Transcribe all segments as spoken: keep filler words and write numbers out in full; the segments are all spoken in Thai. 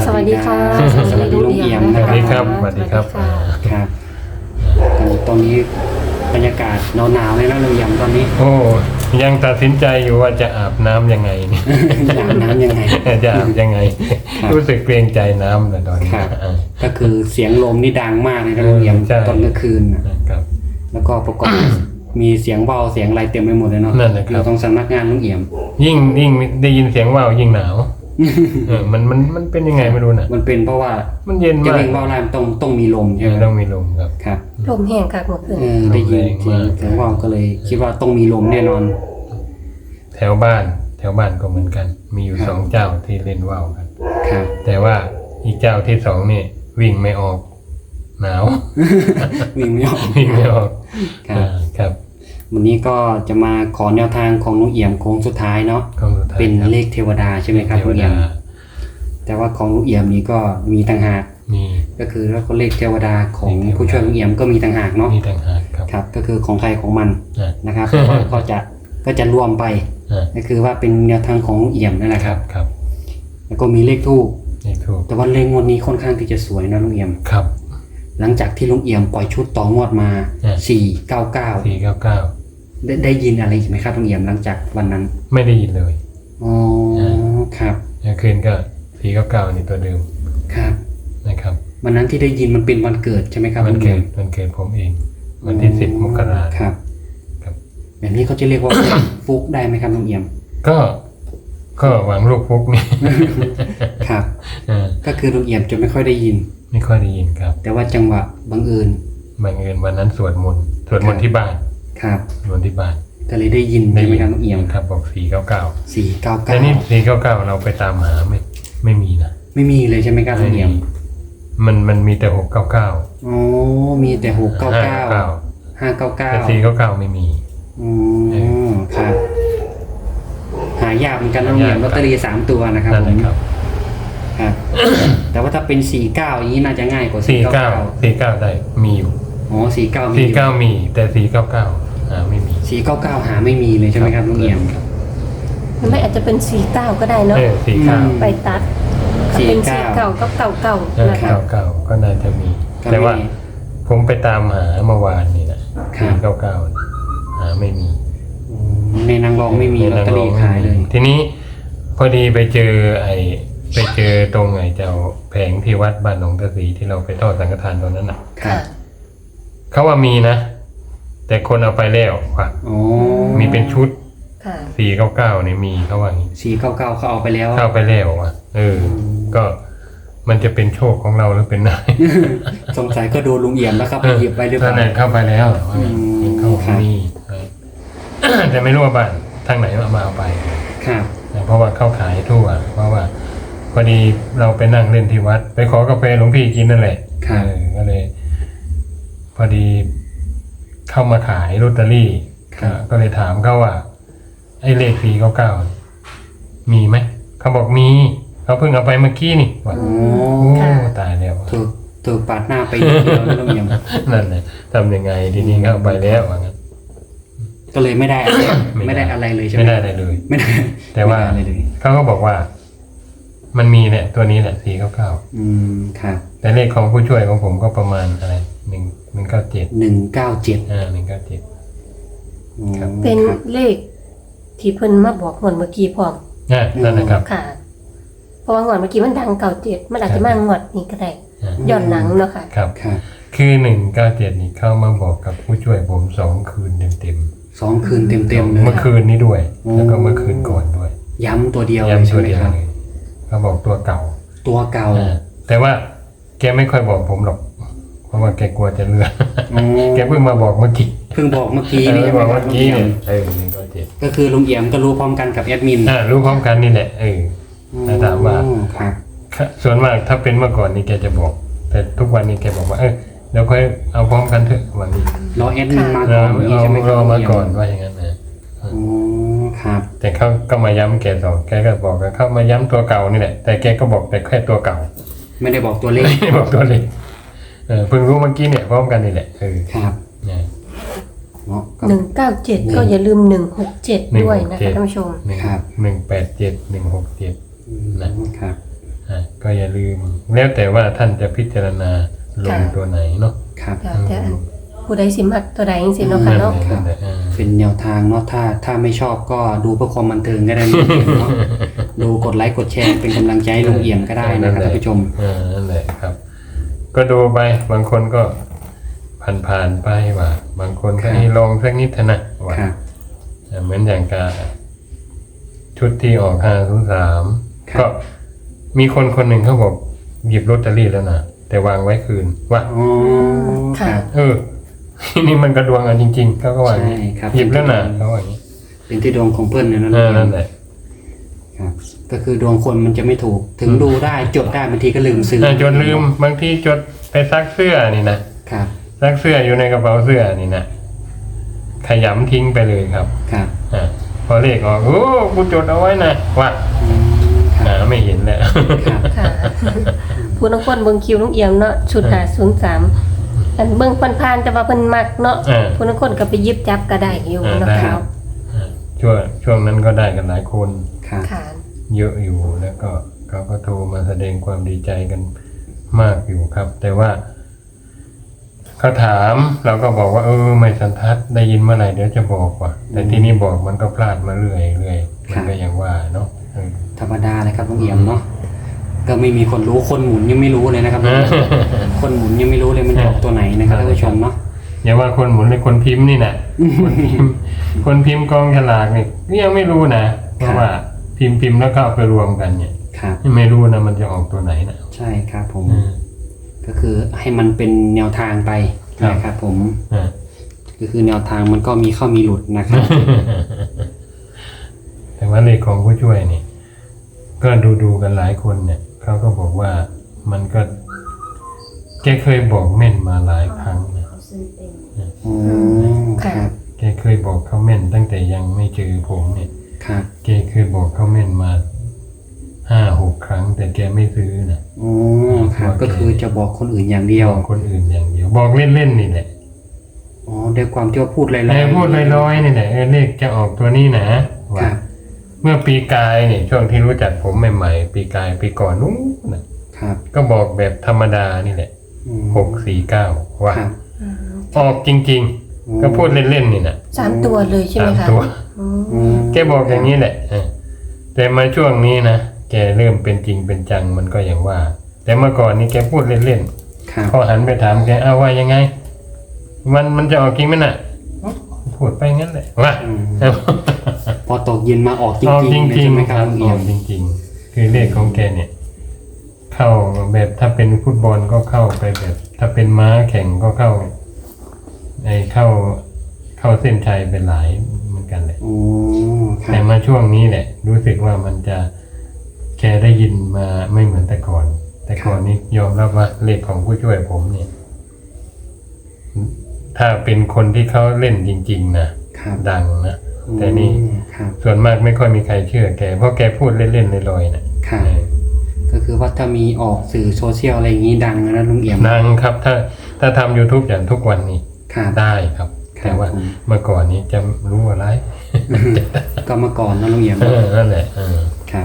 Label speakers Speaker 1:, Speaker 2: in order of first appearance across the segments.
Speaker 1: สวัสดีค่ะ
Speaker 2: สวัสดีลุงเอี่ยม
Speaker 3: สวัสดีครับสวัสดีครับ
Speaker 2: ครับตอนนี้บรรยากาศหนาวๆเลยนะลุงเอี่ยมตอนนี้
Speaker 3: โอ้ยังตัดสินใจอยู่ว่าจะอาบน้ำยังไงนี่
Speaker 2: อาบน้ำยังไง
Speaker 3: จะอาบยังไง
Speaker 2: ครับ
Speaker 3: รู้สึกเกรงใจน้ำเลยตอนนี้
Speaker 2: ครับ
Speaker 3: อ่า
Speaker 2: ก็คือเสียงลมนี่ดังมากเลยนะลุงเอี่ยม
Speaker 3: ใช่
Speaker 2: ตอนกลางคืนน่ะ
Speaker 3: ครับ
Speaker 2: แล้วก็ประกอบ มีเสียงเบาเสียงอะไรเต็มไปหมดเลยเนาะ
Speaker 3: นั่นแหละครับ
Speaker 2: อยู่ตรงสำนักงานลุงเอี่ยม
Speaker 3: ยิ่งยิ่งได้ยินเสียงว่าวยิ่งหนาวเออมันมันมันเป็นยังไงไม่รู้น่ะ
Speaker 2: มันเป็นเพราะว่า
Speaker 3: มันเย็น
Speaker 2: จะ
Speaker 3: มาก
Speaker 2: เร่งเบาแรงต้องต้องมีลมใช่ไหม
Speaker 3: ต้องมีลมครับ
Speaker 2: ครับ
Speaker 1: ลมแห้งค่ะหมดเลย
Speaker 2: เออได้ยิน
Speaker 3: ลมแรง
Speaker 2: เสียง
Speaker 3: มาก
Speaker 2: เสียงเบาก็เลย คิดว่าต้องมีลมแน่นอน
Speaker 3: แถวบ้าน แถวบ้านก็เหมือนกัน มีอยู่
Speaker 2: ครับ
Speaker 3: สองเจ้าที่เล่นว่าวกัน
Speaker 2: ครับ
Speaker 3: แต่ว่าอีกเจ้าที่สองนี่วิ่งไม่ออกหนาว
Speaker 2: วิ่งไม่ออก
Speaker 3: วิ่งไม่ออก
Speaker 2: ครับ
Speaker 3: อ่าครับ
Speaker 2: วันนี้ก็จะมาขอแนวทางของลุงเอี่ยมโค้งสุดท้ายเนาะ
Speaker 3: ของสุดท้าย
Speaker 2: เป็น
Speaker 3: ครับ
Speaker 2: เลขเทวดาใช่ไหมครับ
Speaker 3: เท
Speaker 2: ลุ
Speaker 3: ว
Speaker 2: งเอี่ย
Speaker 3: ดาม
Speaker 2: แต่ว่าของลุงเอี่ยมนี้ก็มีต่างหาก
Speaker 3: มี
Speaker 2: ก็คือแล้วก็เลขเทวดาของ
Speaker 3: เลขเทวดา
Speaker 2: ผู้ช่วยลุงเอี่ยมก็มีต่างหากเนาะ
Speaker 3: มีต่างหากครับ
Speaker 2: ครับ ก็คือของใครของมัน
Speaker 3: อ่ะ
Speaker 2: นะครับแต่ว่าก็จะก็จะรวมไป
Speaker 3: อ่ะ
Speaker 2: ก็คือว่าเป็นแนวทางของลุงเอี่ยมนั่นแหละ
Speaker 3: ค
Speaker 2: ค
Speaker 3: รั
Speaker 2: รั
Speaker 3: บบ ครับ
Speaker 2: แล้วก็มีเลขทูบ
Speaker 3: นี่ถูก
Speaker 2: แต่ว่าเลขงวดนี้ค่อนข้างที่จะสวยนะลุงเอี่ยม
Speaker 3: ครับ
Speaker 2: หลังจากที่ลุงเอี่ยมปล่อยชุดต่องวดมา
Speaker 3: อ่ะ
Speaker 2: สี่เก้าเก้า
Speaker 3: สี่เก้าเก้า
Speaker 2: ได้ได้ยินอะไรอีกไหมครับลุงเอี่ยมหลังจากวันนั้น
Speaker 3: ไม่ได้ยินเลย
Speaker 2: อ๋อครับ
Speaker 3: เมื่อคืนก็สี่เก้าเก้านี่ตัวเดิม
Speaker 2: ครับ
Speaker 3: นะครับ
Speaker 2: วันนั้นที่ได้ยินมันเป็นวันเกิดใช่ไหมครับ
Speaker 3: วัน
Speaker 2: ลุง
Speaker 3: เกิ
Speaker 2: เอี่ย
Speaker 3: ด
Speaker 2: ม
Speaker 3: วันเกิดผมเอง วันที่สิบมกรา
Speaker 2: ครับ
Speaker 3: ครับ
Speaker 2: แบบนี้เขาจะเรียกว่า ฟุกได้ไหมครับลุงเอี่ยม
Speaker 3: ก็ก็หวังลูกฟุกนี่
Speaker 2: ครับ
Speaker 3: อ่า
Speaker 2: ก็คือลุงเอี่ยมจะไม่ค่อยได้ยิน
Speaker 3: ไม่ค่อยได้ยินครับ
Speaker 2: แต่ว่าจังหวะบังเอิญ
Speaker 3: บังเอิญวันนั้นสวดมนต์สวดมนต์ที่บ้าน
Speaker 2: ครับ
Speaker 3: สวดมนต์ที่บ้าน
Speaker 2: ก็เลยได้ยินใช่ไหมครับลุงเอี่ยม
Speaker 3: ครับบอกสี่เก้าเก้า
Speaker 2: สี่เก้า
Speaker 3: แต่
Speaker 2: เก้า
Speaker 3: นี่สี่เก้าเก้าเราไปตามหาไม่ไม่มีนะ
Speaker 2: ไม่มีเลยใช่ไหมครับลุงเอี่ยม
Speaker 3: มันมันมีแต่หกเก้าเก้า
Speaker 2: อ๋อมีแต่หกเก้าเก้าห้าเก้าเก้า
Speaker 3: แต่สี่เก้าเก้าไม่มี
Speaker 2: อ๋อครับ หายากเหมือนกันลุงเอี่ยมลอตเตอรี่สามตัวนะครับ
Speaker 3: นั่น
Speaker 2: ผ
Speaker 3: แหละ
Speaker 2: ม
Speaker 3: ครับ
Speaker 2: ครับ แต่ว่าถ้าเป็นสี่เก้าอย่างนี้น่าจะง่ายกว่า
Speaker 3: สี่
Speaker 2: สี่เก้า
Speaker 3: เก้า
Speaker 2: เก้า
Speaker 3: สี่เก้าได้มีอยู่
Speaker 2: อ๋อสี่เก้ามี
Speaker 3: สี่เก้ามีแต่สี่เก้าเก้าอ่าไม่มี
Speaker 2: สี่เก้าเก้าหาไม่มีเลยใช่ไหมครับลุงเอี่ยม
Speaker 3: ครับ
Speaker 1: มันไม่อาจจะเป็นสี่เก้าก็ได้เนาะ
Speaker 3: เออสี่เก้า
Speaker 2: อืม
Speaker 1: ไปตัดถ้าเป็นสี่เก้าก็เก่าเก่า
Speaker 3: เออ
Speaker 1: นะ
Speaker 3: เก้า
Speaker 1: คะ
Speaker 3: เก้าก็น่าจะมี
Speaker 2: ก็
Speaker 3: แต่ว่า
Speaker 2: ไม่
Speaker 3: ผมไปตามหาเมื่อวานนี่นะครับ สี่เก้าเก้าหาไม่มี
Speaker 2: อืมในนางรองไม่มีลอตเตอรี่ขายเลย
Speaker 3: ทีนี้พอดีไปเจอไอ้ไปเจอตรงไอ้เจ้าแผงที่วัดบ้านหนองตะสีที่เราไปทอดสังฆทานตอนนั้นน่ะ
Speaker 2: ครั
Speaker 1: ค่ะ
Speaker 2: บ
Speaker 3: เขาว่ามีนะ แต่คนเอาไปแล้วว่ะ
Speaker 2: อ๋อ
Speaker 3: มีเป็นชุด
Speaker 1: ค่ะ
Speaker 3: สี่เก้าเก้าเนี่ยมีเขาว่าอย่างนี้
Speaker 2: สี่เก้าเก้าเขาเอาไปแล้ว
Speaker 3: เข้าไปแล้วว่ะเออ ก็มันจะเป็นโชคของเราหรือเป็นนาย
Speaker 2: สงสัยก็โดนลุงเอี่ยมแล้วครับไปหยิบไปหรือเป
Speaker 3: ตอน
Speaker 2: ล่า
Speaker 3: นั้นเข้าไปแล้ว
Speaker 2: อืม
Speaker 3: เข้า
Speaker 2: ครับ
Speaker 3: มีเออ แต่ไม่รู้ว่าบ้านทางไหนมาเอาไป
Speaker 2: ครับ
Speaker 3: เพราะว่าเข้าขายทั่ว เพราะว่าพอดีเราไปนั่งเล่นที่วัด ไปขอกาแฟหลวงพี่กินนั่นแหละ
Speaker 2: ครับ
Speaker 3: เออก็เลย พอดีเข้ามาขายลอตเตอรี่ก็ก็เลยถามเขาว่า ไอ้เลขสี่เก้าเก้ามีไหมเขาบอกมีเขาเพิ่งเอาไปเมื่อกี้นี่ว่า
Speaker 2: อ๋อ
Speaker 3: โอ้ตายแล้ว
Speaker 2: ถูกถูกปาดหน้าไปนิดเดียวนะลุงเอี่ยม
Speaker 3: นั่นแหละทำยังไงทีนี้เข้าไปแล้วว่างั้น
Speaker 2: ก็เลยไม่ได้อะไร
Speaker 3: ไม่
Speaker 2: ไม่
Speaker 3: ได้
Speaker 2: ได้อะไรเลยใช่ไหม
Speaker 3: ไม่ได้อะไรเลย
Speaker 2: ไม่ได้
Speaker 3: แต่ว่า
Speaker 2: ไม่ได้อะไรเลย
Speaker 3: เขาก็บอกว่า มันมีเนี่ยตัวนี้แหละสี่เก้าเก้า
Speaker 2: อืมครับ
Speaker 3: แต่เลขของผู้ช่วยของผมก็ประมาณอะไรหนึ่งหนึ่งเก้าเจ็ด
Speaker 2: หนึ่งเก้าเจ็ด
Speaker 3: อ่าหนึ่งเก้าเจ็ด ครับ
Speaker 1: เป็นเลขที่เพิ่นมาบอกงวดเมื่อกี้พร้อม
Speaker 3: อ่านั่นนะครับ
Speaker 1: ค่ะ เพราะว่างวดเมื่อกี้มันดังเก่าเจ็ดมันอาจจะมางวดนี้ก็ได้
Speaker 3: อ่า
Speaker 1: ย้อนหลังเนาะค่ะ
Speaker 3: ครับ
Speaker 2: ครับ
Speaker 3: คือหนึ่งเก้าเจ็ดนี่เข้ามาบอกกับผู้ช่วยผมสองคืนเต็มเต็ม
Speaker 2: สองคืนเต็ม
Speaker 3: ๆ
Speaker 2: เต็มๆเลย
Speaker 3: เมื่อคืนนี้ด้วย
Speaker 2: โอ้
Speaker 3: แล้วก็เมื่อคืนก่อนด้วย
Speaker 2: ย้ำตัวเดียวเลย
Speaker 3: ย้ำ
Speaker 2: ใช่
Speaker 3: ตัว
Speaker 2: ไหม
Speaker 3: เดียว
Speaker 2: ครับ
Speaker 3: เลยเขาบอกตัวเก่า
Speaker 2: ตัวเก่า
Speaker 3: อ่าแต่ว่าแกไม่ค่อยบอกผมหรอก เพราะว่าแกกลัวจะเลือน
Speaker 2: อ๋อ
Speaker 3: แกเพิ่งมาบอกเมื่อกี้
Speaker 2: เพิ่งบอกเมื่อกี้
Speaker 3: เอ
Speaker 2: นี่
Speaker 3: อ
Speaker 2: ใช่ไหม
Speaker 3: บอก
Speaker 2: ครับ
Speaker 3: เมื่อ
Speaker 2: ลุง
Speaker 3: กี้
Speaker 2: เอี่ย
Speaker 3: เนี่
Speaker 2: ม
Speaker 3: ยเออหนึ่งเก้าเจ็ด
Speaker 2: ก็คือลุงเอี่ยมก็รู้พร้อมกันกับแอดมิน
Speaker 3: อ่ารู้พร้อมกันนี่แหละเออ แต่ถามว่า
Speaker 2: อ๋อครับ
Speaker 3: ส่วนมากถ้าเป็นเมื่อก่อนนี่แกจะบอก แต่ทุกวันนี้แกบอกว่าเออเดี๋ยวค่อยเอาพร้อมกันเถอะวันนี้
Speaker 2: รอแอดมินมา
Speaker 3: เรา
Speaker 2: ก่อนอย่างนี้
Speaker 3: เอา
Speaker 2: ใช่ไหมค
Speaker 3: ร
Speaker 2: รับ
Speaker 3: อ
Speaker 2: ลุง
Speaker 3: มา
Speaker 2: เอี่ยม
Speaker 3: ก่อนว่าอย่างนั้นนะ
Speaker 2: อ๋อครับ
Speaker 3: แต่เขาก็มาย้ำแกสองแกก็บอกว่าเข้ามาย้ำตัวเก่านี่แหละแต่แกก็บอกแต่แค่ตัวเก่า
Speaker 2: ไม่ได้บอกตัวเลข
Speaker 3: ไม่บอกตัวเล็กเออเพิ่งรู้เมื่อกี้เนี่ยพร้อมกันนี่แหละเออ
Speaker 2: ครับ
Speaker 3: เนี่ย
Speaker 2: เนาะก็
Speaker 1: หนึ่งเก้าเจ็ดก็อย่าลืมหนึ่งหกเจ็ดด้วยนะ
Speaker 3: หนึ่งหกเจ็ด
Speaker 1: คะท่านผู้ชม
Speaker 3: หนึ่ง
Speaker 2: ครับ
Speaker 3: หนึ่งแปดเจ็ดหนึ่งหกเจ็ด
Speaker 2: อืม
Speaker 3: นะ
Speaker 2: ครับ
Speaker 3: อ่าก็ก็อย่าลืม แล้วแต่ว่าท่านจะพิจารณาลงตัวไหนเนาะ
Speaker 2: ครับ
Speaker 1: ค่ะแต่อันผู้ใดสิมักตัวใดจังซี่เนาะค่ะเนาะ
Speaker 3: นั่นแหละอ่า
Speaker 2: เป็นแนวทางเนาะถ้าถ้าไม่ชอบก็ดูเพื่อความบันเทิงก็ได้นะเนาะดูกดไลค์กดแชร์เป็นกำลังใจให้ลุงเอี่ยมก็ได้นะครับท่านผู้ชม
Speaker 3: อ่านั่นแหละครับ ก็ดูไปบางคนก็ผ่านๆไปว่า บางคนก็
Speaker 2: ครับ
Speaker 3: ให้ลองสักนิดเถอะนะว่า
Speaker 2: ครับ
Speaker 3: อ่าเหมือนอย่างกาชุดที่ออกห้าศูนย์สาม
Speaker 2: ครับ
Speaker 3: ก็มีคนคนหนึ่งเขาบอกหยิบลอตเตอรี่แล้วนะแต่วางไว้คืนว่า
Speaker 2: อ๋อครับ
Speaker 3: เออ นี่มันกระดวงอ่ะจริงๆเขาก็ว่าอย่างนี้
Speaker 2: ใช่ครับ
Speaker 3: หยิบแล้วนะเขาว่าอย่างนี้
Speaker 2: เป็นที่ดวงของเพื่อนเนี่ยนะ
Speaker 3: เอ
Speaker 2: ลุง
Speaker 3: อ
Speaker 2: เอี่ย
Speaker 3: นั่
Speaker 2: ม
Speaker 3: นแหละ
Speaker 2: ครับ ก็คือดวงคนมันจะไม่ถูกถึงดูได้จดได้บางทีก็ลืมซื้อ
Speaker 3: อ่าจนลืมบางทีจดไปซักเสื้อนี่นะครับ ซักเสื้ออยู่ในกระเป๋าเสื้อนี่นะขยำทิ้งไปเลยครับ
Speaker 2: ครับ
Speaker 3: อ่าพอเลขออกโอ้กูจดเอาไว้นะว่า
Speaker 2: อืมค
Speaker 3: หา
Speaker 2: รับ
Speaker 3: ไม่เห็นแล้ว
Speaker 2: ครับ
Speaker 1: ค่ะ ผู้นักคนเบิ่งคิวลุงเอี่ยมเนาะชุดห้าศูนย์สามอันเบิ่งผ่านๆแต่ว่าเพิ่นมักเนาะ
Speaker 3: อ่า
Speaker 1: ผู้นักคนก็ไปหยิบจับก็ได้อยู่
Speaker 3: อ่า
Speaker 1: เนาะ
Speaker 3: ได้
Speaker 1: ค่ะ
Speaker 3: อ่าช่วงช่วงนั้นก็ได้กันหลายคน
Speaker 2: ครับ
Speaker 1: ค่ะ
Speaker 3: เยอะอยู่แล้วก็เขาก็โทรมาแสดงความดีใจกันมากอยู่ครับ แต่ว่าเขาถามเราก็บอกว่าเออไม่สันทัดได้ยินเมื่อไหร่เดี๋ยวจะบอกว่า แต่ที่นี่บอกมันก็พลาดมาเรื่อยเรื่อยมันก็อย่างว่าเนาะเออ
Speaker 2: ธรรมดาเลยครับลุงเอี่ยมเนาะก็ไม่มีคนรู้คนหมุนยังไม่รู้เลยนะครับ คนหมุนยังไม่รู้เลยมันจะออกตัวไหนนะครับท่านผู้ชมเนาะ
Speaker 3: อย่าว่าคนหมุนเลยคนพิมพ์นี่นะคนพิมพ์คนพิมพ์กองฉลากนี่ก็ยังไม่รู้นะเพราะว่าพิมพ์พิมพ์แล้วก็เอาไปรวมกันเนี่ย
Speaker 2: ครับ
Speaker 3: ไม่รู้นะมันจะออกตัวไหนนะ
Speaker 2: ใช่ครับผม
Speaker 3: อืม
Speaker 2: ก็คือให้มันเป็นแนวทางไป
Speaker 3: ครับ
Speaker 2: นะครับผม
Speaker 3: อ่า
Speaker 2: ก็คือแนวทางมันก็มีเข้ามีหลุดนะครับ
Speaker 3: แต่ว่าเลขของผู้ช่วยนี่ ก็ดูดูๆกันหลายคนเนี่ยเขาก็บอกว่ามันก็ แกเคยบอกแม่นมาหลายครั้งนะ
Speaker 2: อ๋อครับ
Speaker 3: แกเคยบอกเขาแม่นตั้งแต่ยังไม่เจอผมเนี่ย
Speaker 2: ครับ
Speaker 3: แกเคยบอกเขาแม่นมาห้าหกครั้ง แต่แกไม่ซื้อนะ
Speaker 2: อ๋อครับ ก็คือจะบอกคนอื่นอย่างเดียว
Speaker 3: บอกคนอื่นอย่างเดียว บอกเล่นๆนี่แหละ
Speaker 2: อ๋อด้วยความที่ว่าพูดลอย
Speaker 3: ไอ้พูดลอยๆนี่แหละเออเลขจะออกตัวนี้นะ
Speaker 2: ค
Speaker 3: ว่า
Speaker 2: รับ
Speaker 3: เมื่อปีกายเนี่ยช่วงที่รู้จักผมใหม่ๆปีกายปีก่อนนู้นน่ะ
Speaker 2: ครับ
Speaker 3: ก็บอกแบบธรรมดานี่แหละ
Speaker 2: อืม
Speaker 3: หกสี่เก้าว่า
Speaker 2: ครับ
Speaker 1: อืม
Speaker 3: ออกจริง
Speaker 2: อืม
Speaker 3: ๆ ก็พูดเล่นๆนี่นะ
Speaker 1: สามตัวเลยใช่ไหม
Speaker 3: สาม
Speaker 1: คะ
Speaker 3: ตัว
Speaker 1: อืม
Speaker 2: อืม
Speaker 3: แกบอกอย่างนี้แหละเออแต่มาช่วงนี้นะแกเริ่มเป็นจริงเป็นจังมันก็อย่างว่า แต่เมื่อก่อนนี้แกพูดเล่น
Speaker 2: ครับ
Speaker 3: ๆพอหันไปถามแกเอาว่ายังไง มันมันจะออกจริงไหมน่ะพูดไปงั้นแหละว่า
Speaker 2: อืมพอตกเย็นมาออกจ
Speaker 3: ออก
Speaker 2: ริง
Speaker 3: จ
Speaker 2: ๆเลย
Speaker 3: ริง
Speaker 2: ใช่ไหม
Speaker 3: ๆ
Speaker 2: ค
Speaker 3: ค
Speaker 2: รั
Speaker 3: รั
Speaker 2: บบลุง
Speaker 3: อ
Speaker 2: เอี่ยม
Speaker 3: อกจริงๆ คือเลขของแกเนี่ย เข้าแบบถ้าเป็นฟุตบอลก็เข้าไปแบบ ถ้าเป็นม้าแข่งก็เข้าไอเข้าเข้าเส้นชัยเป็นหลายเหมือนกันเลย
Speaker 2: โอ้ครั
Speaker 3: แต่
Speaker 2: บ
Speaker 3: มาช่วงนี้แหละ รู้สึกว่ามันจะแกได้ยินมาไม่เหมือนแต่ก่อน แต่ก่อนนี้ยอมรับว่าเลขของผู้ช่วยผมเนี่ย ถ้าเป็นคนที่เขาเล่นจริง ๆ นะครับ ดังนะแต่นี่
Speaker 2: อืมครับ
Speaker 3: ส่วนมากไม่ค่อยมีใครเชื่อแกเพราะแกพูดเล่นๆลอยๆนะครับ เออ
Speaker 2: ก็คือว่าถ้ามีออกสื่อโซเชียลอะไรอย่างนี้ดังนะลุงเอี่ยม
Speaker 3: ดังครับ ถ้าถ้าทำ YouTube อย่างทุกวันนี้
Speaker 2: ครับ
Speaker 3: ได้ครับ
Speaker 2: ครับ
Speaker 3: แต่ว่า
Speaker 2: ผม
Speaker 3: เมื่อก่อนนี้จะรู้อะไร
Speaker 2: ก็เมื่อก่อนนะลุงเอี่ยม
Speaker 3: เออนั่นแหละเออ
Speaker 2: ครับ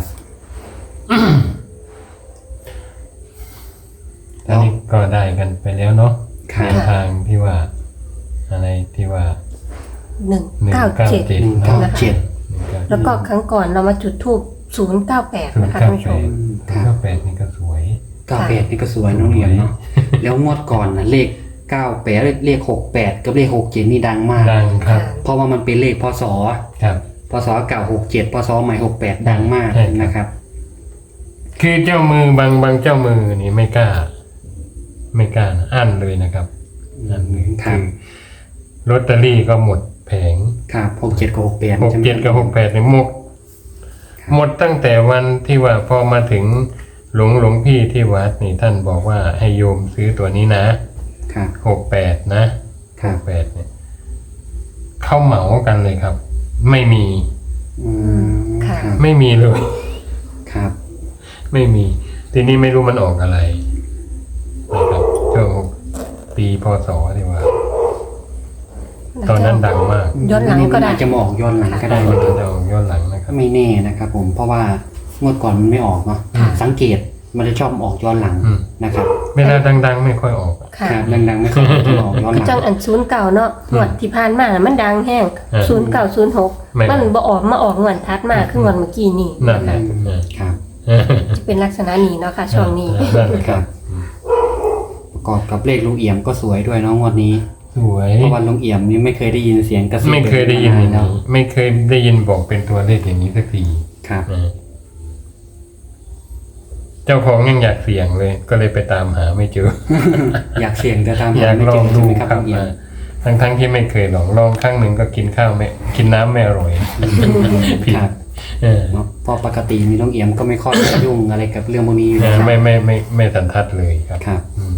Speaker 3: ตอนนี้ก็ได้กันไปแล้วเนาะ
Speaker 2: ครับ
Speaker 3: แนวทางที่ว่า อะไรที่ว่า
Speaker 1: หนึ่ง
Speaker 3: หนึ่ง
Speaker 1: เก้า
Speaker 3: เก้า
Speaker 1: เจ็ด
Speaker 3: เจ็ด
Speaker 2: หนึ่งเก้าเจ็ด
Speaker 3: หนึ่งเก้า
Speaker 1: แล้วก็ครั้งก่อนเรามาจุดทูบศูนย์เก้าแปด
Speaker 3: ศูน
Speaker 1: นะ
Speaker 3: ย์
Speaker 1: คะ
Speaker 3: เก้า
Speaker 1: ท่านผู้ช
Speaker 3: แป
Speaker 1: ม
Speaker 3: ดศูนย์เก้าแปดนี่ก็สวย
Speaker 2: เก้าแปดนี่ก็สวยนะลุงเอี่ยมเนาะแล้วงวดก่อนนะเลขเก้าแปดเลขหกแปดกับเลขหกเจ็ดนี่ดังมาก
Speaker 3: ดังครับ
Speaker 2: เพราะว่ามันเป็นเลขพศ
Speaker 3: ครับ
Speaker 2: พศเก่าหกเจ็ดพศใหม่หกแปดดังมาก
Speaker 3: ใช่ครับ
Speaker 2: นะครับ
Speaker 3: คือเจ้ามือบางบางเจ้ามือนี่ไม่กล้า ไม่กล้านะอั้นเลยนะครับอั้นเลย
Speaker 2: ครับ
Speaker 3: คือลอตเตอรี่ก็หมดแผง
Speaker 2: ครับหกเจ็ดกับหกแปด
Speaker 3: หกเจ็ดกับหกแปดเนี่ยหมด
Speaker 2: ครับ
Speaker 3: หมดตั้งแต่วันที่ว่าพอมาถึงหลวงหลวงพี่ที่วัดนี่ท่านบอกว่าให้โยมซื้อตัวนี้นะครับ หกแปดนะครับ หกแปดเนี่ยเข้าเหมากันเลยครับ ไม่มี
Speaker 2: อืมครับ
Speaker 3: ไม่มีเลย
Speaker 2: ครับ
Speaker 3: ไม่มี ทีนี้ไม่รู้มันออกอะไรนะครับช่วงปีพศที่ว่า ตอนนั้นดังมาก
Speaker 1: ย้อนหลังก็ได้
Speaker 2: าจะมาออกย้อนหลังก็ได้
Speaker 3: มัน
Speaker 2: นะครับ
Speaker 3: จะออกย้อนหลังนะครับ
Speaker 2: ไม่แน่นะครับผมเพราะว่างวดก่อนมันไม่ออกเนาะ
Speaker 3: อืม
Speaker 2: สังเกตมันจะชอบออกย้อนหลัง
Speaker 3: อืม
Speaker 2: นะครับ
Speaker 3: เวลาดังๆไม่ค่อยออก
Speaker 1: ค่ะ
Speaker 2: ครับดังๆไม่ค่อยจะออกย้อนห
Speaker 1: คือ
Speaker 2: ลัง
Speaker 1: จังอันศูนย์เก่าเนาะงวดที่ผ่านมามันดังแห้ง
Speaker 3: เออ
Speaker 1: ศูนย์เก่าศูนย์หก
Speaker 3: ไม่
Speaker 1: มันบ่ออกมาออกงวดทัดมาคืองวดเมื่อกี้นี่
Speaker 3: นั่น
Speaker 1: นะ
Speaker 3: แห
Speaker 1: คะ
Speaker 3: ละ
Speaker 2: ครับ
Speaker 1: จะเป็นลักษณะนี้เนาะค่ะช่วงนี้
Speaker 3: นั่นแหละ
Speaker 2: ค
Speaker 3: ค
Speaker 2: รั
Speaker 3: รั
Speaker 2: บบ ประกอบกับเลขลุงเอี่ยมก็สวยด้วยเนาะงวดนี้
Speaker 3: สวย
Speaker 2: เพราะว่าลุงเอี่ยมนี่ไม่เคยได้ยินเสียงกระซิบ
Speaker 3: ไม่เคยได้ยินอย่าง
Speaker 2: แล้ว
Speaker 3: นี้ไม่เคยได้ยินบอกเป็นตัวเลขอย่างนี้สักที
Speaker 2: ครับ
Speaker 3: นะเจ้าของยังอยากเสี่ยงเลย ก็เลยไปตามหาไม่เจอ
Speaker 2: อยากเสี่ยงแต่ตาม
Speaker 3: อ
Speaker 2: หาย
Speaker 3: าก
Speaker 2: ไม่
Speaker 3: ล
Speaker 2: เจ
Speaker 3: อง
Speaker 2: อใช่
Speaker 3: ดู
Speaker 2: ไหมครับ
Speaker 3: ครั
Speaker 2: ลุ
Speaker 3: บ
Speaker 2: งเอี่ยม
Speaker 3: ทั้งทั้งๆที่ไม่เคยลองลองครั้งหนึ่งก็กินข้าวไม่กินน้ำไม่อร่อยผิด
Speaker 2: ครับ
Speaker 3: เออ
Speaker 2: เนาะเพราะปกติมีลุงเอี่ยมก็ไม่ค่อยยุ่งอะไรกับเรื่องพวกนี้อยู่
Speaker 3: เอ
Speaker 2: แล้
Speaker 3: อ
Speaker 2: วครับ
Speaker 3: ไม่ไม่ไม่ไม่สันทัดเลยครับ
Speaker 2: ครับ
Speaker 3: อืม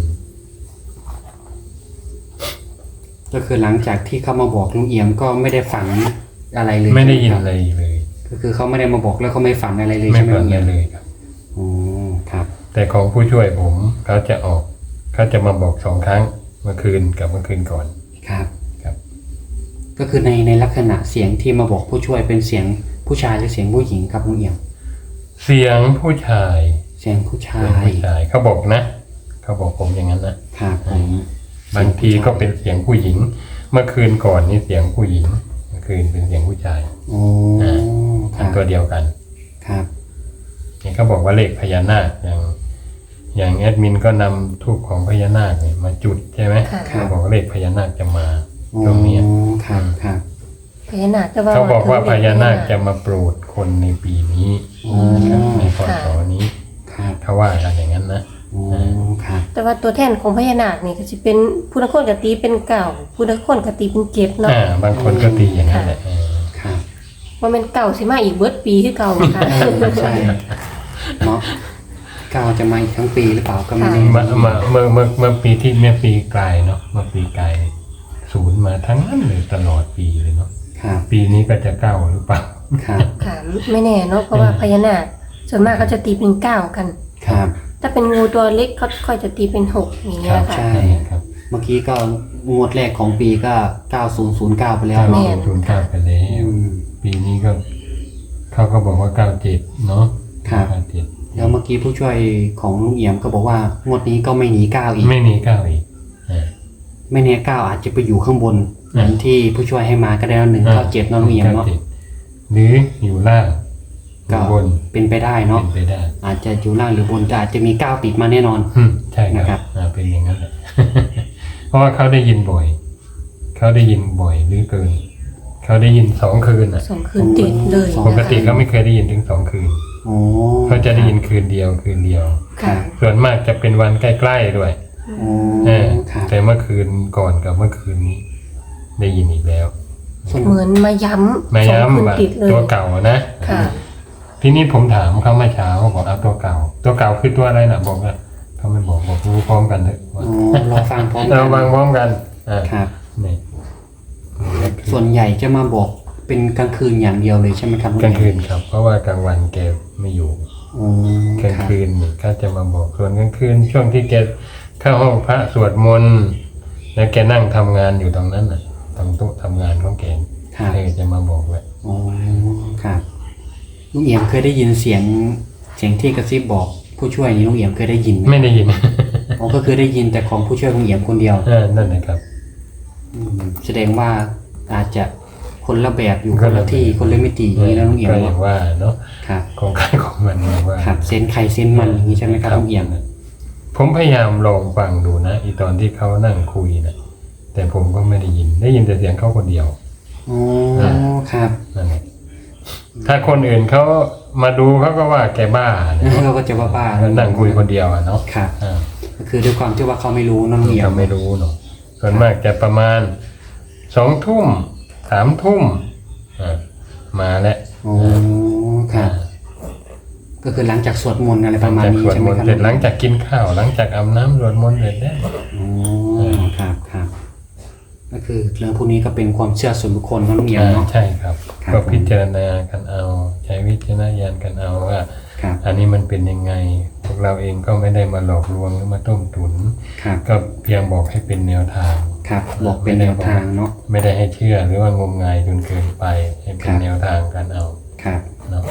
Speaker 2: ก็คือหลังจากที่เขามาบอกลุงเอี่ยมก็ไม่ได้ฝันอะไรเลย
Speaker 3: ไม่ได้ยิน
Speaker 2: ใช่ห
Speaker 3: อะไร
Speaker 2: ครับ
Speaker 3: เลย
Speaker 2: ก็คือเขาไม่ได้มาบอกแล้วเขาไม่ฝันอะไรเลย
Speaker 3: ไม่
Speaker 2: ใช่ไหม
Speaker 3: ฝัน
Speaker 2: ลุง
Speaker 3: อะ
Speaker 2: เอี่
Speaker 3: ไร
Speaker 2: ยม
Speaker 3: เลยครับ
Speaker 2: อ๋อครับ
Speaker 3: แต่ของผู้ช่วยผมเขาจะออกเขาจะมาบอกสองครั้งเมื่อคืนกับเมื่อคืนก่อน
Speaker 2: ครับ
Speaker 3: ครับ
Speaker 2: ก็คือในในลักษณะเสียงที่มาบอกผู้ช่วยเป็นเสียงผู้ชายหรือเสียงผู้หญิงครับลุงเอี่ยม
Speaker 3: เสียงผู้ชาย
Speaker 2: เสียงผู้ชา
Speaker 3: เสียง
Speaker 2: ย
Speaker 3: ผู้ชายเขาบอกนะเขาบอกผมอย่างนั้นนะครับ
Speaker 2: ผม
Speaker 3: บางทีก็เป็นเสียงผู้หญิง เมื่อคืนก่อนนี่เสียงผู้หญิงเมื่อคืนเป็นเสียงผู้ชาย
Speaker 2: โอ้ค
Speaker 3: เป็
Speaker 2: รั
Speaker 3: น
Speaker 2: บ
Speaker 3: ตัวเดียวกัน
Speaker 2: ครับ
Speaker 3: นี่เขาบอกว่าเลขพญานาคอย่าง อย่างแอดมินก็นำทูปของพญานาคเนี่ยมาจุดใช่ไหม
Speaker 1: ค่ะ
Speaker 3: เขาบอกว่าเลขพญานาคจะมา
Speaker 2: โอ้
Speaker 3: ตรงนี้
Speaker 2: ครับครับ
Speaker 1: พญานาคแต่ว่า
Speaker 3: เขาบอกว่าพญานาค
Speaker 1: ถึงเด็ก
Speaker 3: จะมาโปรดคนในปีนี้
Speaker 2: อ๋อ
Speaker 3: นะครับในพศนี้
Speaker 2: ครับ
Speaker 3: เขาว่ากันอย่างนั้นนะ
Speaker 2: โอ้ครับ
Speaker 1: แต่ว่าตัวแทนของพญานาคนี่ก็จะเป็นผู้นักคนกตีเป็นเก่าผู้นักคนกตีเป็นเจ็ดเนาะ
Speaker 3: อ่าบางคนก็ตีอย่างนั้นแหละเออ
Speaker 2: ครับ
Speaker 1: ว่าเป็นเก่าสิมาอีกเบิดปีคือเก่าค่ะ
Speaker 2: เออใช่เนาะก้าวจะมาอีกทั้งปีหรือเปล่าก็ไม่
Speaker 1: ค่ะ
Speaker 2: แน่
Speaker 3: มามาเมื่อเมื่อเมื่อปีที่เมื่อปีกลายเนาะเมื่อปีกลายศูนย์มาทั้งนั้นเลยตลอดปีเลยเนาะ
Speaker 2: ครับ
Speaker 3: ปีนี้ก็จะเก้าหรือเปล่า
Speaker 2: ครับ
Speaker 1: ค่ะไม่แน่เนาะเพราะว่าพญานาคส่วนมากเขาจะตีเป็นเก้ากัน
Speaker 2: ครับ
Speaker 1: ถ้าเป็นงูตัวเล็กเขาค่อยจะตีเป็นหกอย่าง
Speaker 3: ค
Speaker 1: เงี้
Speaker 3: รั
Speaker 1: ย
Speaker 3: บ
Speaker 1: ค่ะ
Speaker 2: ใช่
Speaker 3: ครับ
Speaker 2: เมื่อกี้ก็งวดแรกของปีก็เก้าศูนย์ศูนย์เก้าไปแล้ว
Speaker 3: เก้า
Speaker 2: เนาะ
Speaker 3: ศูนย์เก้าไปแล้ว
Speaker 2: อืม
Speaker 3: ปีนี้ก็เขาก็บอกว่าเก้าเจ็ดเนาะ
Speaker 2: ครับ
Speaker 3: เก้าเจ็ด
Speaker 2: แล้วเมื่อกี้ผู้ช่วยของลุงเอี่ยมก็บอกว่างวดนี้ก็ไม่หนีก้าวอีก
Speaker 3: ไม่หนีเก้าอีกอ่า
Speaker 2: ไม่แน่ก้าวอาจจะไปอยู่ข้างบนเห
Speaker 3: อืม
Speaker 2: มือนที่ผู้ช่วยให้มาก็ได้แล้วหนึ่งเก้าเจ็ดเนาะลุงเอี่ยมเนาะ
Speaker 3: ก้จ็ดหรืออยู่ล่างอ
Speaker 2: ก็
Speaker 3: ยู่บน
Speaker 2: เป็นไปได้เนาะ
Speaker 3: เป็นไปได้
Speaker 2: อาจจะอยู่ล่างหรือบนแต่อาจจะมีก้าวติดมาแน่นอน
Speaker 3: อืมใช่ค
Speaker 2: นะครั
Speaker 3: รับบ อ่าเป็นอย่างนั้นแหละ เพราะว่าเขาได้ยินบ่อย เขาได้ยินบ่อยหรือเกิน เขาได้ยินสองคืนอ่ะ
Speaker 1: สองคืนติดเลย
Speaker 2: สอง
Speaker 3: ป
Speaker 1: นะ
Speaker 3: กติ
Speaker 1: คะ
Speaker 3: เขาไม่เคยได้ยินถึงสองคืน
Speaker 2: โอ้
Speaker 3: เขาจะได้ยินคืนเดียวคืนเดียว
Speaker 1: ค่ะ
Speaker 3: ส่วนมากจะเป็นวันใกล้ๆด้วย
Speaker 2: โอ้
Speaker 3: เออ
Speaker 2: ครับ
Speaker 3: แต่เมื่อคืนก่อนกับเมื่อคืนนี้ ได้ยินอีกแล้ว
Speaker 2: ส่วน
Speaker 1: เหมือนมาย้ำ
Speaker 3: มา
Speaker 1: สองคืน
Speaker 3: ย้ำว่า
Speaker 1: ติดเลย
Speaker 3: ตัวเก่านะ
Speaker 1: ค่ะ
Speaker 3: ทีนี้ผมถามเขาเมื่อเช้าบอกเอาตัวเก่า ตัวเก่าคือตัวอะไรนะบอกว่าเขาไม่บอกบอกรู้พร้อมกันเถอะ
Speaker 2: โอ้รอฟังพร้อมกั
Speaker 3: เราวางพร้อมกันอ่า
Speaker 2: ครับ
Speaker 3: นี่
Speaker 2: ส่วนใหญ่จะมาบอกเป็นกลางคืนอย่างเดียวเลยใช่ไหมครับ
Speaker 3: กลางคืนครับ เพราะว่ากลางวันแกไม่อยู่
Speaker 2: โอ้
Speaker 3: กลาง
Speaker 2: รับ
Speaker 3: คืนนี่เขาจะมาบอกส่วนกลางคืนช่วงที่แกเข้าห้องพระสวดมนต์แล้วแกนั่งทำงานอยู่ตรงนั้นน่ะตรงโต๊ะทำงานของแก
Speaker 2: ครับ
Speaker 3: เธอจะมาบอกเลย
Speaker 2: โอ้ครับลุงเอี่ยมเคยได้ยินเสียงเสียงที่กระซิบบอกผู้ช่วยนี้ลุงเอี่ยมเคยได้ยินไหม
Speaker 3: ไม่ได้ยิน
Speaker 2: อ๋อก็คือได้ยินแต่ของผู้ช่วยลุงเอี่ยมคนเดียว
Speaker 3: เออนั่นนะครับ
Speaker 2: อืมแสดงว่าอาจจะคนละแบบอยู่คนละที่คนละมิติอย่างนี้นะลุงเอี่ยม
Speaker 3: ก็อย่า
Speaker 2: เนาะ
Speaker 3: งว่าเนาะ
Speaker 2: ครับ
Speaker 3: ของใครของมันอย่างว่า
Speaker 2: ครับเซนไข่เซนมันอย่างนี้ใช่ไหมครับลุงเอี่ยม
Speaker 3: ผมพยายามลองฟังดูนะอีตอนที่เขานั่งคุยนะแต่ผมก็ไม่ได้ยิน ได้ยินแต่เสียงเขาคนเดียว
Speaker 2: อ๋อครับ
Speaker 3: นั่นแหละถ้าคนอื่นเขามาดูเขาก็ว่าแกบ้านะ
Speaker 2: เราก็จะบ้าบ้า
Speaker 3: แล้วนั่งคุยคนเดียวอะเนาะ
Speaker 2: ครับ
Speaker 3: อ่า
Speaker 2: ก็คือด้วยความที่ว่าเขาไม่รู้นะลุงเอี่ยม
Speaker 3: เขาไม่รู้เนาะส่วนมากจะประมาณสองทุ่มสามทุ่มอ่ามาแล้ว
Speaker 2: โอ้ครับ ก็คือหลังจากสวดมนต์อะไรประมาณ
Speaker 3: จาก
Speaker 2: นี้
Speaker 3: สวด
Speaker 2: ใช่ไห
Speaker 3: ม
Speaker 2: ม
Speaker 3: นต์
Speaker 2: ครับ
Speaker 3: เสร็จหลังจากกินข้าวหลังจากอาบน้ำสวดมนต์เสร็จแล้ว
Speaker 2: โอ้ครับครับก็คือเรื่องพวกนี้ก็เป็นความเชื่อส่วนบุคคลนะลุงเอี่ยม
Speaker 3: อ่า
Speaker 2: เนาะ
Speaker 3: ใช่ครับ
Speaker 2: ครับ
Speaker 3: ก็พิจารณากันเอา ใช้วิจารณญาณกันเอาว่า
Speaker 2: ครับ
Speaker 3: อันนี้มันเป็นยังไง พวกเราเองก็ไม่ได้มาหลอกลวงหรือมาต้มตุน
Speaker 2: ครับ
Speaker 3: ก็เพียงบอกให้เป็นแนวทาง
Speaker 2: ครับบอกเป็นแนวทางเนาะ
Speaker 3: ไม่ได้ให้เชื่อหรือว่างมงายจนเกินไป ให้เป็
Speaker 2: ครั
Speaker 3: น
Speaker 2: บ
Speaker 3: แนวทางกันเอา
Speaker 2: ครับ
Speaker 3: เนาะ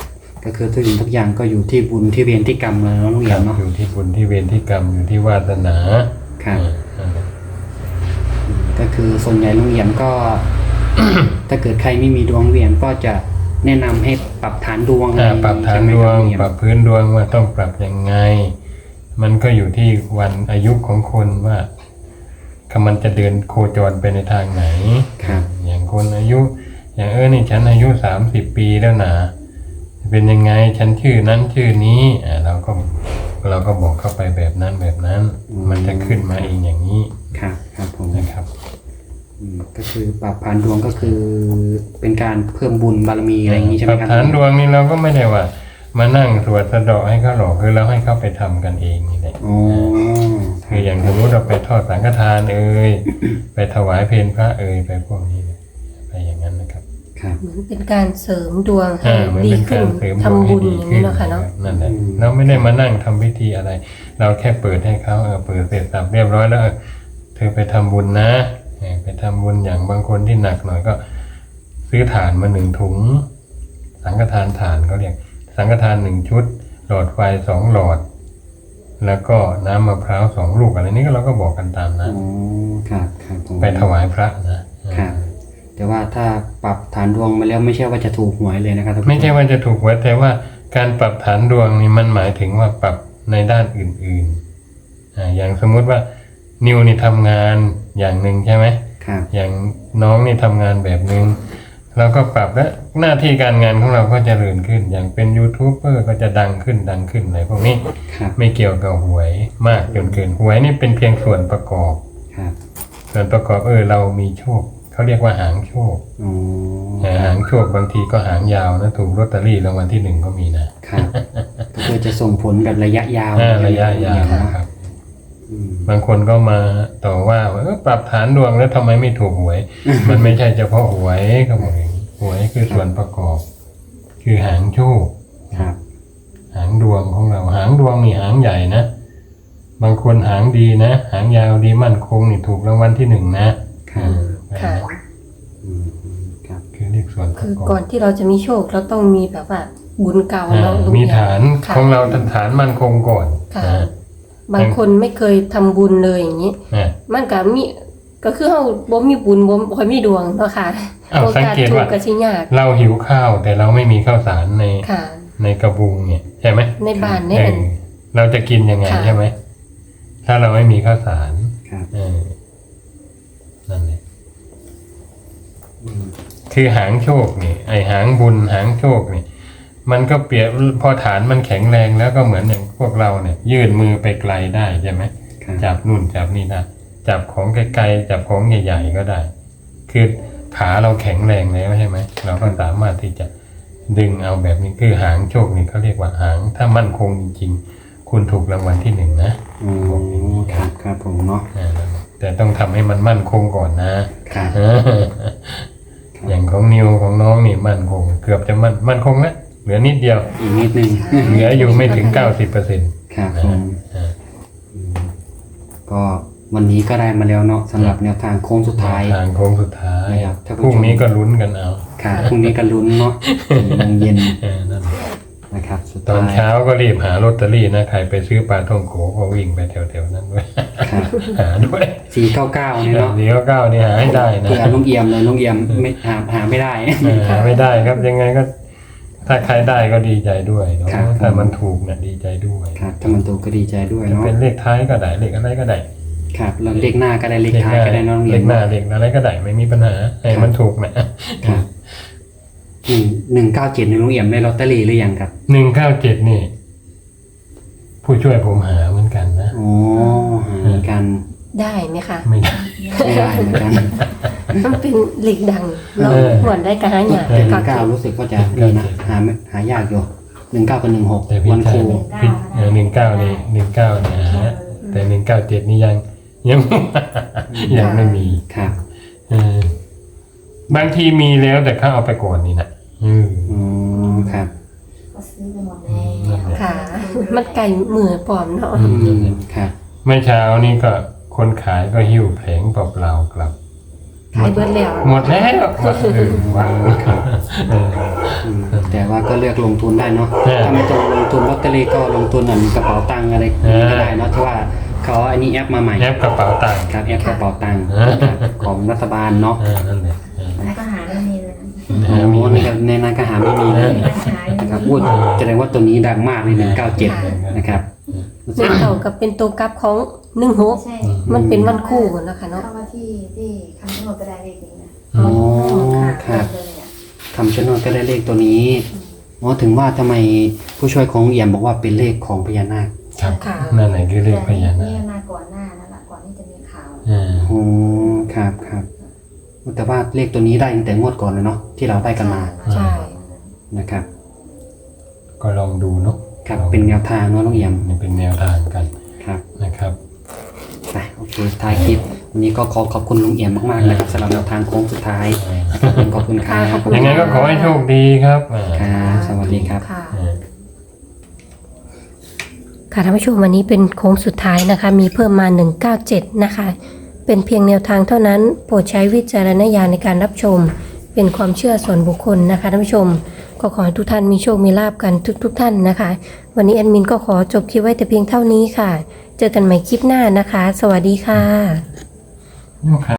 Speaker 2: ก็คือทุกสิ่งทุกอย่างก็อยู่ที่บุญที่เวรที่กรรมแล้วลุง
Speaker 3: ค
Speaker 2: เอี่
Speaker 3: รั
Speaker 2: ย
Speaker 3: บ
Speaker 2: มเนาะ
Speaker 3: อยู่ที่บุญที่เวรที่กรรมอยู่ที่วาสนา
Speaker 2: ครับ
Speaker 3: อ่านั่นแหละ
Speaker 2: ก็คือส่วนใหญ่ลุงเอี่ยมก็ ถ้าเกิดใครไม่มีดวงเวียนก็จะแนะนำให้ปรับฐานดวง
Speaker 3: อ่าปรับฐาน
Speaker 2: ใช่ไหม
Speaker 3: ด
Speaker 2: คว รับ
Speaker 3: ง
Speaker 2: ลุงเอี่ยม
Speaker 3: ปรับพื้นดวงว่าต้องปรับยังไง มันก็อยู่ที่วันอายุของคนว่าคำมันจะเดินโคจรไปในทางไหน
Speaker 2: ครับ
Speaker 3: อย่างคนอายุ อย่างเออนี่ฉันอายุสามสิบปีแล้วนะเป็นยังไงฉันชื่อนั้นชื่อนี้อ่าเราก็เราก็บอกเข้าไปแบบนั้นแบบนั้น มันจะขึ้นมาเองอย่างนี้
Speaker 2: ครับครับผม
Speaker 3: นะครับ
Speaker 2: อืมก็คือปรับฐานดวงก็คือเป็นการเพิ่มบุญบารมีอะไรอย่างนี้ใช่ไห
Speaker 3: ป
Speaker 2: ม
Speaker 3: รับ
Speaker 2: ครับ
Speaker 3: ฐานดวงนี่เราก็ไม่ได้ว่า มานั่งสวดสะเดาะให้เขาหรอกคือเราให้เขาไปทำกันเองนี่แหละ
Speaker 2: อ๋อ
Speaker 3: คืออย่างสมมติเราไปทอดสังฆทานเอ่ย ไปถวายเพลพระเอ่ยไปพวกนี้เนี่ยไปอย่างนั้นนะครับ
Speaker 2: ครับ
Speaker 1: เหมือนเป็นการเสริมดวงให้
Speaker 3: อ่าเหมือน
Speaker 1: ดี
Speaker 3: เป็น
Speaker 1: ขึ้
Speaker 3: กาน รเสริมดวง
Speaker 1: ทำ
Speaker 3: ให้
Speaker 1: บุญ
Speaker 3: ดี
Speaker 1: อย่าง
Speaker 3: ขึ้
Speaker 1: นี้
Speaker 3: น
Speaker 1: เนาะค่ะเนาะ
Speaker 3: นั่นแหละเราไม่ได้มานั่งทำพิธีอะไร เราแค่เปิดให้เขาเออเปิดเสร็จสับเรียบร้อยแล้วเออเธอไปทำบุญนะเออไปทำบุญอย่างบางคนที่หนักหน่อยก็ ซื้อถ่านมาหนึ่งถุง สังฆทานถ่านเขาเรียกสังฆทานหนึ่งชุด หลอดไฟสองหลอด แล้วก็น้ำมะพร้าวสองลูกอะไรนี้ก็เราก็บอกกันตาม
Speaker 2: อ๋
Speaker 3: นะ
Speaker 2: อครับครับผม
Speaker 3: ไปถวายพระนะครับ
Speaker 2: แต่ว่าถ้าปรับฐานดวงมาแล้วไม่ใช่ว่าจะถูกหวยเลยนะครับท่านผู้ช
Speaker 3: ไม่ใช่ว่าจะถูกไว้แต่ว่าการปรับฐานดวงนี่มันหมายถึงว่าปรับในด้านอื่นๆอ่าอย่างสมมุติว่านิวนี่ทำงานอย่างหนึ่งใช่ไหม
Speaker 2: ครับ
Speaker 3: อย่างน้องนี่ทำงานแบบหนึ่งเราก็ปรับและหน้าที่การงานของเราก็เจริญขึ้น อย่างเป็นยูทูบเบอร์ก็จะดังขึ้นดังขึ้นอะไรพวกนี้
Speaker 2: ครับ
Speaker 3: ไม่เกี่ยวกับหวยมากจนเกินหวยนี่เป็นเพียงส่วนประกอบ
Speaker 2: ครับ
Speaker 3: ส่วนประกอบเออเรามีโชคเขาเรียกว่าหางโชค
Speaker 2: อ๋อ
Speaker 3: แต่หางโชคบางทีก็หางยาวนะถูกลอตเตอรี่รางวัลที่หนึ่งก็มีนะครับ
Speaker 2: ก็คือจะส่งผลแบบระยะยาว
Speaker 3: อ่าระยะยาว
Speaker 2: ใช่ไหม
Speaker 3: นะ
Speaker 2: ค
Speaker 3: ครับ รับ
Speaker 2: อืม
Speaker 3: บางคนก็มาต่อว่าว่าเออปรับฐานดวงแล้วทำไมไม่ถูกหวย มันไม่ใช่เฉพาะหวยเขาบอกอย่างนี้หวยคือส่วนประกอบ คือหางโชค
Speaker 2: ครับ
Speaker 3: หางดวงของเราหางดวงนี่หางใหญ่นะ บางคนหางดีนะ หางยาวดีมั่นคงนี่ถูกรางวัลที่หนึ่งนะครับ
Speaker 1: ค่ะ
Speaker 2: อืมอืมครับ
Speaker 3: คือเรียกส่วนป
Speaker 1: คื
Speaker 3: ระ
Speaker 1: อก
Speaker 3: อบ
Speaker 1: ก่อนที่เราจะมีโชคเราต้องมีแบบว่าบุญเก่า
Speaker 3: อ่า
Speaker 1: เนาะลุง
Speaker 3: มี
Speaker 1: เอี่ย
Speaker 3: ฐาน
Speaker 1: ค่ะ
Speaker 3: ของเราฐานมั่นคงก่อน
Speaker 1: ค่ะ
Speaker 3: อ่า
Speaker 1: บางคนไม่เคยทำบุญเลยอย่างนี้
Speaker 3: อ่า
Speaker 1: มันก็มีก็คือเฮาบ่มีบุญบ่บ่ค่อยมีดวงเนาะค่ะ
Speaker 3: อ้าว
Speaker 1: โอกาส
Speaker 3: สังเกต
Speaker 1: ถูก
Speaker 3: ว่า
Speaker 1: ก็สิยาก
Speaker 3: เราหิวข้าวแต่เราไม่มีข้าวสารใน
Speaker 1: ค่ะ
Speaker 3: ในกระบุงเนี่ยใช่ไหม
Speaker 1: ในบ้านใน
Speaker 3: เอ
Speaker 1: อัน
Speaker 3: อเราจะกินยังไง
Speaker 1: ค่ะ
Speaker 3: ใช่ไหมถ้าเราไม่มีข้าวสาร
Speaker 2: ครับ
Speaker 3: เออนั่นแหละ
Speaker 2: อืม
Speaker 3: คือหางโชคนี่ไอหางบุญหางโชคนี่มันก็เปรียบพอฐานมันแข็งแรงแล้วก็เหมือนอย่างพวกเราเนี่ย ยื่นมือไปไกลได้ใช่ไหม
Speaker 2: ครับ
Speaker 3: จับนู่นจับนี่ได้จับของไกลๆจับของใหญ่ๆก็ได้ คือขาเราแข็งแรงแล้วใช่ไหมเราก็สามารถที่จะดึงเอาแบบนี้คือหางโชคนี่เขาเรียกว่าหางถ้ามั่นคงจริงๆ คุณถูกรางวัลที่หนึ่งนะ
Speaker 2: อ๋อครับครับผมเนาะ
Speaker 3: อ่านั่นแหละแต่ต้องทำให้มันมั่นคงก่อนนะครับ เอออย่างของนิวของน้องนี่มั่นคง เกือบจะมั่นมั่นคงแล้วเหลือนิดเดียว
Speaker 2: อีกนิดนึง
Speaker 3: เหลืออยู่ไม่ถึงเก้าสิบเปอร์เซ็นต์
Speaker 2: ครับผมอืมก็วันนี้ก็ได้มาแล้วเนาะสำหรับแนวทางโค้งสุดท้าย
Speaker 3: ทางโค้งสุดท้าย
Speaker 2: นะครับท่านผู้
Speaker 3: พรุ่ง
Speaker 2: ชม
Speaker 3: นี้ก็ลุ้นกันเอา
Speaker 2: ครับพรุ่งนี้ก็ลุ้นเนาะสี่โมงเย็น
Speaker 3: เออนั่นแหละ
Speaker 2: นะครับ สุด
Speaker 3: ตอน
Speaker 2: ท้าย
Speaker 3: เช้าก็รีบหาลอตเตอรี่นะใครไปซื้อปลาท่องโกก็วิ่งไปแถวๆนั้นด้วย
Speaker 2: ครับ
Speaker 3: หาด้วย
Speaker 2: สี่เก้าเก้าเนี่ยเนาะ
Speaker 3: เดี๋ยวเก้านี่หาให้ได้นะ
Speaker 2: เผื่อลุงเอี่ยมเลยลุงเอี่ยมไม่หาหาไม่ได้
Speaker 3: เออหาไม่ได้ครับยังไงก็ ถ้าใครได้ก็ดีใจด้วยเนาะ
Speaker 2: ครับ
Speaker 3: ถ้ามันถูกเนี่ยดีใจด้วย
Speaker 2: ครับถ้ามันถูกก็ดีใจด้วย
Speaker 3: จะ
Speaker 2: เนาะ
Speaker 3: เป็นเลขท้ายก็ได้เลขอะไรก็ได้
Speaker 2: ครับแล้วเลขหน้าก็ได้เลขท้ายก็ได้เน้อง
Speaker 3: เล
Speaker 2: เอี่ย
Speaker 3: ข
Speaker 2: ม
Speaker 3: หน้าเลขอะไรก็ได้ไม่มีปัญหาให้มันถูกนะครับ
Speaker 2: หนึ่งหนึ่งเก้าเจ็ดในลุงเอี่ยมได้ลอตเตอรี่หรือยังครับ
Speaker 3: หนึ่งเก้าเจ็ดนี่ ผู้ช่วยผมหาเหมือนกันนะ
Speaker 2: อ๋อหาเหมือนกัน
Speaker 1: ได้ไหมคะ
Speaker 3: ไม่ได้
Speaker 2: ไม่ได้เหมือนกัน
Speaker 1: มันเป็นเหล็กดังเรา
Speaker 3: เออ
Speaker 1: หวนได้กระหายาก
Speaker 2: แต่ห
Speaker 1: ก็
Speaker 2: นึ่งเก้ารู้สึกว่าจะดีนะหาไม่หายากอยู่หนึ่งเก้ากับหนึ่งหก
Speaker 3: แต่พี่
Speaker 2: วันค
Speaker 3: ชาย
Speaker 2: รู
Speaker 3: พี่หนึ่งเก้านี่หนึ่งเก้าเนี่ยหาแต่หนึ่งเก้าเจ็ดนี่ยังยัง ยังไม่มี
Speaker 2: ครับ
Speaker 3: เออบางทีมีแล้วแต่เขาเอาไปก่อนนี่นะอืม
Speaker 2: อ๋อครับ
Speaker 4: ก็ซื้อไปหมดแล้ว
Speaker 3: นั่นแหละ
Speaker 1: ค่ะ มันไก่มือปลอมเนาะ
Speaker 3: อืม
Speaker 2: อืมครับ
Speaker 3: เมื่อเช้านี้ก็คนขายก็หิ้วแผงเปล่าๆกลับ
Speaker 1: ขายเบิดแล้ว
Speaker 3: หมดแล้วว่าเออว่าเออ
Speaker 2: อืมแต่ว่าก็เลือกลงทุนได้เนาะ
Speaker 3: เออ
Speaker 2: ถ้าไม่ต้องลงทุนลอตเตอรี่ก็ลงทุนอันกระเป๋าตังค์อะไร
Speaker 3: เออ
Speaker 2: ก็ได้เนาะที่ว่าเขาอันนี้แอปมาใหม่
Speaker 3: แอปกระเป๋าตังค์
Speaker 2: ครับแอปกระเป๋าตังค์
Speaker 3: เออ
Speaker 2: นะครับของรัฐบาลเนาะ
Speaker 3: เออนั่นแหละเออ
Speaker 4: แล้วก็หาไม่มีเลยนะ
Speaker 3: เอ
Speaker 2: โอ้
Speaker 3: อมี
Speaker 2: โหนี่ครับในนั้นก็หาไม่มีเลย
Speaker 4: ร้านขาย
Speaker 2: นะครับพูดแสดงว่าตัวนี้ดังมากเลยหนึ่งเก้าเจ็ดนะครับ
Speaker 1: เลขเก่ากับเป็นตัวกลับของหนึ่งหก
Speaker 4: ไม่ใช่
Speaker 1: มันเป็นวันคู่นะคะเนาะ
Speaker 4: เข้ามาที่ที่คำชะโนดก็ได้เลขนี้นะ
Speaker 2: อ๋อครับ
Speaker 4: เลยอ่ะ
Speaker 2: คำชะโนดก็ได้เลขตัวนี้อ๋อถึงว่าทำไมผู้ช่วยของเอี่ยมบอกว่าเป็นเลขของพญานาค
Speaker 3: ครับ
Speaker 1: ค่ะ
Speaker 3: นั่นแหละคือเลขพญานา
Speaker 4: นี่
Speaker 3: ค
Speaker 4: มาก่อนหน้านั่นแหละก่อนที่จะมีข่าว
Speaker 3: เออ
Speaker 2: โอ้ครับครับแต่ว่าเลขตัวนี้ได้ตั้งแต่งวดก่อนเลยเนาะที่เราได้กันมา
Speaker 1: ใช่
Speaker 2: นะครับ
Speaker 3: ก็ลองดูเนาะ
Speaker 2: ครับเป็นแนวทางเนาะน้องเอี่ยม
Speaker 3: นี่เป็นแนวทางกัน
Speaker 2: ครับ
Speaker 3: นะครับ
Speaker 2: ไปโอเคท้ายคลิปวันนี้ก็ขอขอบคุณลุงเอี่ยมมากๆนะครับสำหรับแนวทางโค้งสุดท้ายนะครับขอบคุณครับ
Speaker 1: ขอบคุณ
Speaker 3: ยังไงก็ขอให้โชคดีครับอ่า
Speaker 2: ครับสวัสดีครับ
Speaker 1: ค่ะ
Speaker 3: เออ
Speaker 1: ค่ะท่านผู้ชมวันนี้เป็นโค้งสุดท้ายนะคะ มีเพิ่มมาหนึ่งเก้าเจ็ดนะคะ เป็นเพียงแนวทางเท่านั้น โปรดใช้วิจารณญาณในการรับชม เป็นความเชื่อส่วนบุคคลนะคะท่านผู้ชม ก็ขอให้ทุกท่านมีโชคมีลาบกันทุกๆทท่านนะคะ วันนี้แอดมินก็ขอจบคลิปไว้แต่เพียงเท่านี้ค่ะ เจอกันใหม่คลิปหน้านะคะ สวัสดีค่ะ
Speaker 3: ลูกค้า